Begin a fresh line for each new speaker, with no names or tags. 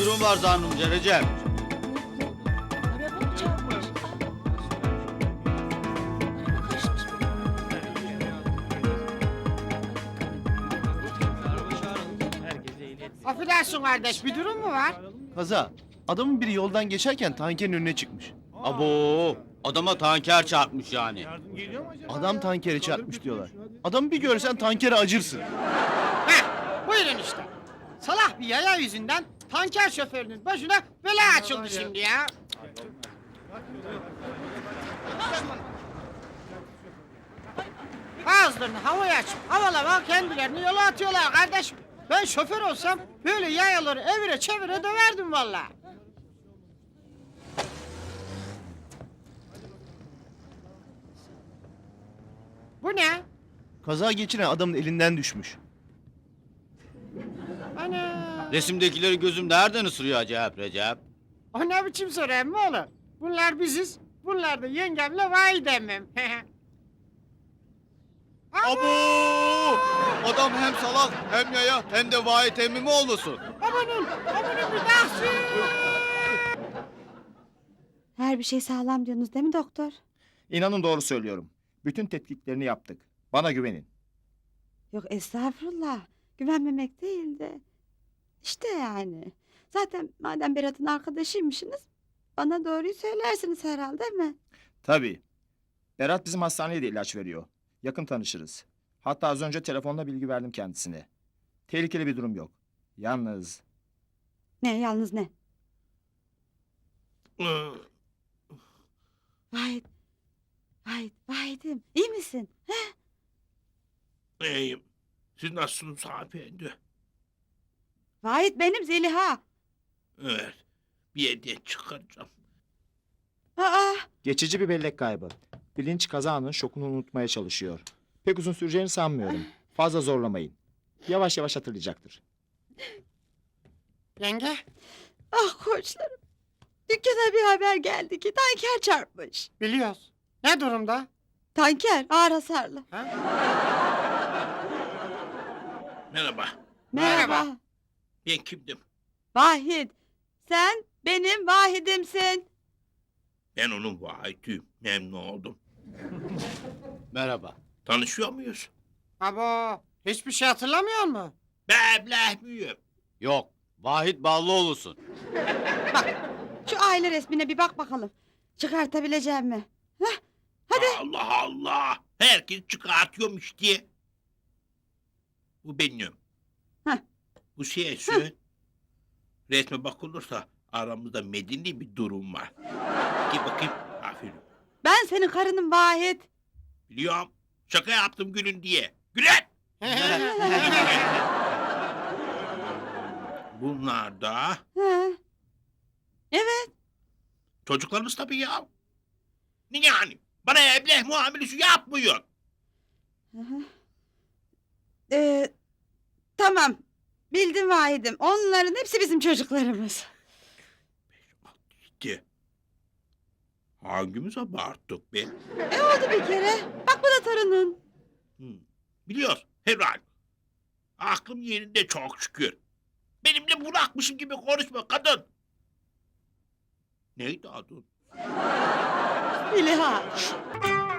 durum var zannımca Recep.
Araba mı çarpmış? Araba karışmış.
Affedersin kardeş, bir durum mu var?
Kaza. Adamın biri yoldan geçerken tankerin önüne çıkmış.
Abo, adama tanker çarpmış yani.
Adam tankere çarpmış diyorlar. Adamı bir görsen tankere acırsın.
Heh, buyurun işte. Salah bir yaya yüzünden tanker şoförünün başına bela açıldı şimdi ya. Ağızlarını havaya açıp havalama kendilerini yola atıyorlar kardeşim. Ben şoför olsam böyle yayaları evire çevire döverdim vallahi. Bu ne?
Kaza geçiren adamın elinden düşmüş.
Ana.
Resimdekileri gözüm nereden ısırıyor acayip Recep?
O ne biçim soru emmi oğlum? Bunlar biziz. Bunlar da yengemle validemim.
Abo! Adam hem salak hem yaya hem de vahit emmi mi olmasın?
Amanın bir dahsi.
Her bir şey sağlam diyorsunuz değil mi doktor?
İnanın doğru söylüyorum. Bütün tetkiklerini yaptık. Bana güvenin.
Yok estağfurullah. Güvenmemek değil de. İşte yani. Zaten madem Berat'ın arkadaşıymışsınız bana doğruyu söylersiniz herhalde değil mi?
Tabii. Berat bizim hastaneye de ilaç veriyor. Yakın tanışırız. Hatta az önce telefonla bilgi verdim kendisine. Tehlikeli bir durum yok. Yalnız
Ne yalnız ne? Vahit. Vahidim. İyi misin?
İyiyim. Siz nasılsınız hanımefendi?
Vahit benim Zeliha.
Evet. Bir hediye çıkaracağım.
Aa,
geçici bir bellek kaybı. Bilinç kazanın şokunu unutmaya çalışıyor. Pek uzun süreceğini sanmıyorum. Fazla zorlamayın. Yavaş yavaş hatırlayacaktır.
Yenge,
ah koçlarım. Dükkana bir haber geldi ki tanker çarpmış.
biliyoruz. Ne durumda?
Tanker ağır hasarlı.
Ha?
Merhaba.
Merhaba.
Ben kimdim?
Vahit. Sen benim Vahidimsin.
Ben onun vahitiyim. Memnun oldum.
Merhaba.
Tanışıyor muyuz?
Abo, hiçbir şey hatırlamıyor mu?
Bebleh müyüm?
Yok, Vahit Ballıoğlu'sun.
Şu aile resmine bir bak bakalım. Çıkartabileceğim mi? Hadi.
Allah Allah. Herkes çıkartıyormuş diye. Bu benim.
Heh.
Bu şeysi. Resme bakılırsa aramızda medeni bir durum var. Gel bakayım. Aferin.
Ben senin karınım Vahit.
Biliyorum. Şaka yaptım gülün diye. Gülen! Bunlar da
Ha. Evet.
çocuklarımız tabii ya. Ne yani? Bana ebleh muamelesi yapmıyor.
Tamam. Bildim Vahit'im. Onların hepsi bizim çocuklarımız.
Gitti. Hangimiz abarttık be?
Oldu bir kere. Bak bu da torunun.
Biliyor herhal. Aklım yerinde çok şükür. Benimle bırakmışım gibi konuşma kadın. Neydi adın?
Zeliha.